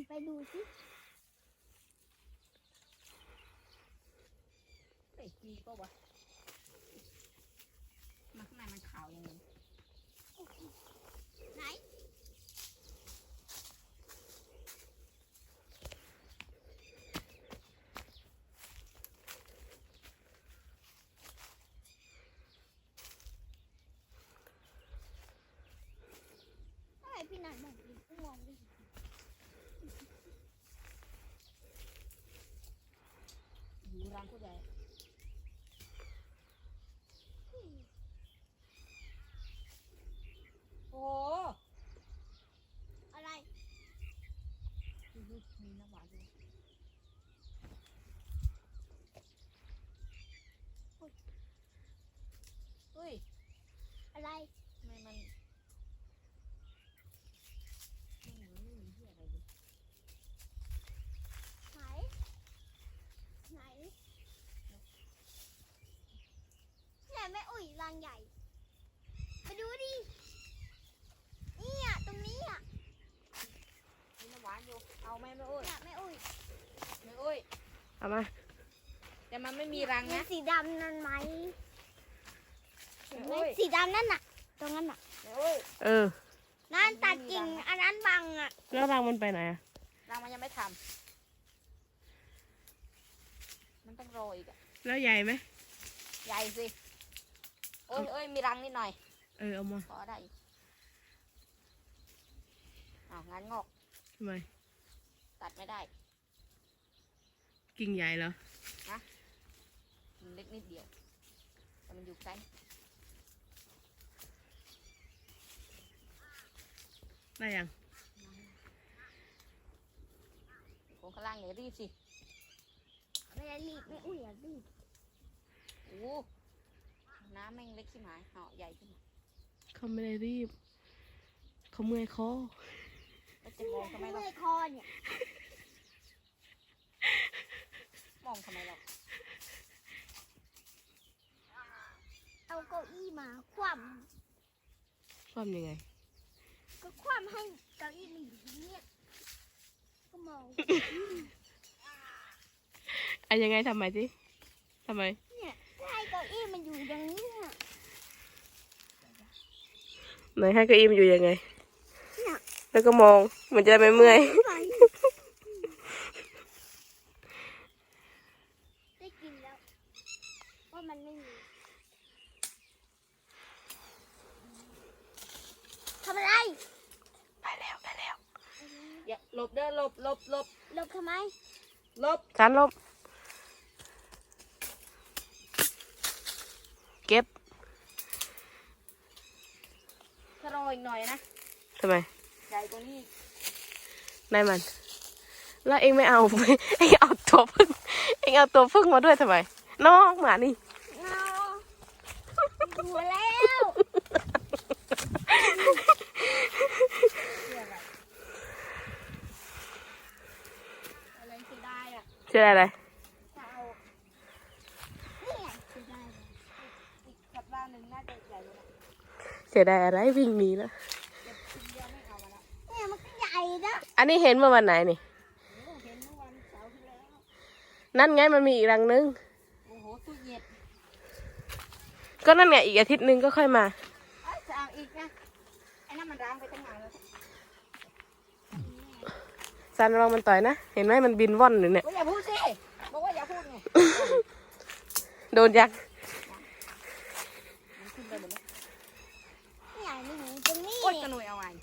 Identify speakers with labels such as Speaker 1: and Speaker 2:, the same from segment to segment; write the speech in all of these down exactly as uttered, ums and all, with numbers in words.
Speaker 1: ไปดูสิ
Speaker 2: ไอ้กีก็วะมาข้างในมันขาวยังไง
Speaker 1: ไหนอะไรพี่นันบอกดิกูมองดิ
Speaker 2: ดูรังผู้ใหญ่โอ้
Speaker 1: อะไร
Speaker 2: มีน้ำหวานด้วยเฮ้ย
Speaker 1: อะไร
Speaker 2: ทำไมมันไม่เหมือนไม่มีที่อะไรเลย
Speaker 1: ไหนไหนเนี่ยแม่อุ้ยรังใหญ่ไปดูดินี่อ่ะตรงนี้อ่ะ
Speaker 2: มีน้ำหวานอยู่เอาไหมแม่อุ้ย
Speaker 1: เนี่ยแม่อุ้ย
Speaker 2: แม่อุ้ยเอามาแต่มันไม่มีรัง
Speaker 1: เห็
Speaker 2: นะ
Speaker 1: นสีดำนั่นไหมเห็นไหม
Speaker 2: แม่อุ้ย
Speaker 1: สีดำนั่นน่ะตรงนั้นน่ะ
Speaker 2: แม่อุ้ย
Speaker 3: เออ
Speaker 1: นั่นตัดกิ่งอันนั้นบังอ่ะ
Speaker 3: แล้วรังมันไปไหนอ่ะ
Speaker 2: รังมันยังไม่ทำมันต้องรออีกอะ
Speaker 3: แล้วใหญ่ไหม
Speaker 2: ใหญ่สิเอ้ยเอ้ยมีรังนิดหน่อย
Speaker 3: เออเอามา
Speaker 2: พอได้อีกอ้าวงั้นงอก
Speaker 3: ทำไม
Speaker 2: ตัดไม่ได้
Speaker 3: กิ่งใหญ่เหรอ
Speaker 2: มันเล็กนิดเดียวแต่มันอยู่ใกล้
Speaker 3: ได้ยัง
Speaker 2: ของข้างล่างเนี่ยรีบสิ
Speaker 1: ไม่ได้รีบไม่อุ้ยอ่ะรีบ
Speaker 2: โอ้น้ำแม่งเล็กขึ้นมาเหาะใหญ่ขึ้นมา
Speaker 3: เขาไม่ได้รีบ เขาเมื่อยคอ
Speaker 2: แล้วจะมองทำไมเรา
Speaker 1: เมื่อยคอเนี่ย
Speaker 2: มองทำไมเรา
Speaker 1: เอาเก้าอี้มาคว่
Speaker 3: ความยังไง
Speaker 1: ำก็คว่ำให้เก้าอี้มันอยู่ที่เนี่ยก็มอง
Speaker 3: อ่ะยังไงทำไมสิทำไม
Speaker 1: เนี่ยถ้าให้เก้าอี้มันอยู่อย่างนี้น่ะ
Speaker 3: ไหนให้เก้าอี้มันอยู่ยังไง
Speaker 1: เนี่ย
Speaker 3: แล้วก็มองมันจะไม่เมื่อย
Speaker 1: ไปได้กินแล้วว่ามันไม่มีทำอะไร
Speaker 3: ไปแล้วไปแล้ว
Speaker 2: อย่าหลบเด้อหลบหลบหลบ
Speaker 1: หลบทำไม
Speaker 2: หลบ
Speaker 3: จานลบ เก็บ
Speaker 2: ถ้ารออีกหน่อยนะ
Speaker 3: ทำไม
Speaker 2: ใหญ่กว่านี้
Speaker 3: นายมัน แล้วเองไม่เอา เองเอาตัวพึ่ง เองเอาตัวพึ่งมาด้วยทำไม น้องหมานี่
Speaker 1: เอาหัวแล้ว
Speaker 2: อะไรเสียดายอ่ะ
Speaker 3: เชื่ออะไร
Speaker 2: ถ้าเอา
Speaker 1: นี่ไงจะได้เลย
Speaker 2: อีกสัปดาห์หนึ่งน่าจะใหญ่แล้วนะ
Speaker 3: เสียดายอะไรวิ่งหนีแล้ว
Speaker 2: เดี๋ยวทีเดียวไม่เอามาละ
Speaker 1: เนี่ยมันก็ใหญ่นะ
Speaker 3: อันนี้เห็นเมื่อวันไหนนี่
Speaker 2: โอ้เห็นเมื่อวันเสาร์ที่แล้ว
Speaker 3: นั่นไงมันมีอีกรังนึง
Speaker 2: โอ้โหตู้เย็น
Speaker 3: ก็นั่นไงอีกอาทิตย์นึงก็ค่อยมา
Speaker 2: เอ้ยจะเอาอีกนะไอ้นั่นมันร้างไปตั้งนานแล้ว
Speaker 3: ซันระวังมันต่อยนะ เห็นไหมมันบินว่อนอยู่เนี่ย
Speaker 2: โอ้ยอย่าพูดสิบอกว่าอย่าพูดไง
Speaker 3: โดนยักษ์
Speaker 2: มันขึ้นไปหมดแล้ว
Speaker 1: เนี่ยมันอยู่ตรงนี้
Speaker 2: โอ๊ยกระหน่วยเอาไว้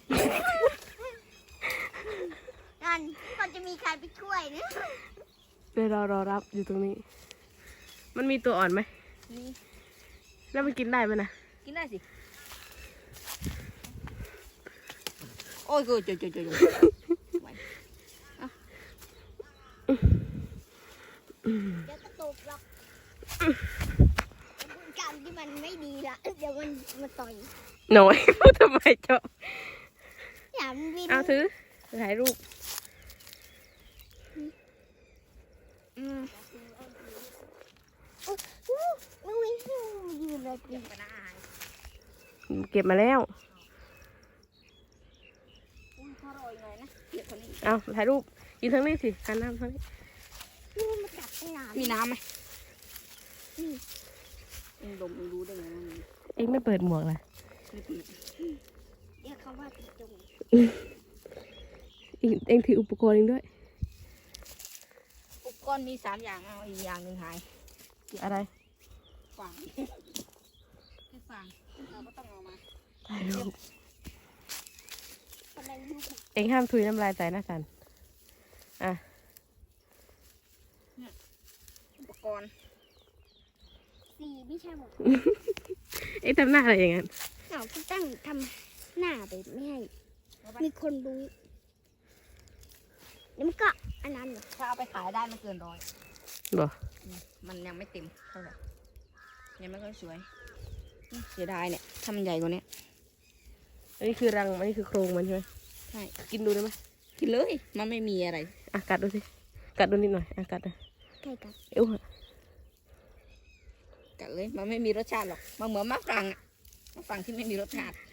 Speaker 1: นั่นมันจะมีใครไปช่วยนะ
Speaker 3: เดี๋ยวรอรอรับอยู่ตรงนี้ มันมีตัวอ่อนไหม
Speaker 2: นี่
Speaker 3: แล้วมันกินได้ไหมนะ
Speaker 2: กินได้สิโอ้ยกูจุดจุดจุดจุด
Speaker 1: เดี๋ยวก็ตกหรอกเป็นการที่มันไม่ดีละเดี๋ยวมันมาต่อย
Speaker 3: หน่อย พูดทำไมเจ้า
Speaker 1: อย่ามันบิน
Speaker 3: เอาถือถ่ายรูป
Speaker 1: อืมอู้อู้วิ่งยืนเลย
Speaker 2: เก็บไปนะอาหาร
Speaker 3: เก็บมาแล้ว
Speaker 2: อุ้ยถ้ารออีกหน่อยนะเก็บคนนี้
Speaker 3: เอาถ่ายรูปยืนทางนี้สิหันหน้ามาทางนี้
Speaker 1: นี่มันกัดตั้งนาน
Speaker 2: มีน้ำไหม
Speaker 1: นี่
Speaker 2: เองดมเองรู้ได้ไงว่ามี
Speaker 3: เองไม่เปิดหมวกล่ะ
Speaker 2: ไม่เปิด
Speaker 1: เรียกเขาว่าติดจง
Speaker 3: เองเองถืออุปกรณ์เองด้วย
Speaker 2: อุปกรณ์มีสามอย่างเอาอีกอย่างหนึ่งหาย
Speaker 3: อะไร
Speaker 2: ฝังให้ฝังเราก็ต้องเอามา
Speaker 3: ถ่ายรูป
Speaker 1: อะไรลูก
Speaker 3: เองห้ามถุยน้ำลายใส่นะสันอ่ะ
Speaker 2: อุปกรณ์
Speaker 1: สีไม่ใช่หมด
Speaker 3: เองทำหน้าอะไรอย่างนั้น
Speaker 1: เราก็ตั้งทำหน้าไปไม่ให้มีคนรู้แล้วมันก็อันนั้นเหรอ
Speaker 2: ถ้าเอาไปขายได้ไม่เกินร้อย
Speaker 3: บ่
Speaker 2: อืมมันยังไม่เต็มเท่าไหร่ยังไม่ค่อยสวยอืมเสียดายเนี่ยถ้ามันใหญ่กว่านี้
Speaker 3: อันนี้คือรังอันนี้คือโครงมันใช่ไหม
Speaker 2: ใช่
Speaker 3: กินดูได้ไหม
Speaker 2: กินเลยมันไม่มีอะไร
Speaker 3: อ่ะกัดดูสิกัดดูนิดหน่อยอ่ะกัดนะ
Speaker 1: ใกล้กัน
Speaker 3: เอ้วอะ
Speaker 2: กัดเลยมันไม่มีรสชาติหรอกมันเหมือนมะฝรั่งอะมะฝรั่งที่ไม่มีรสชาติ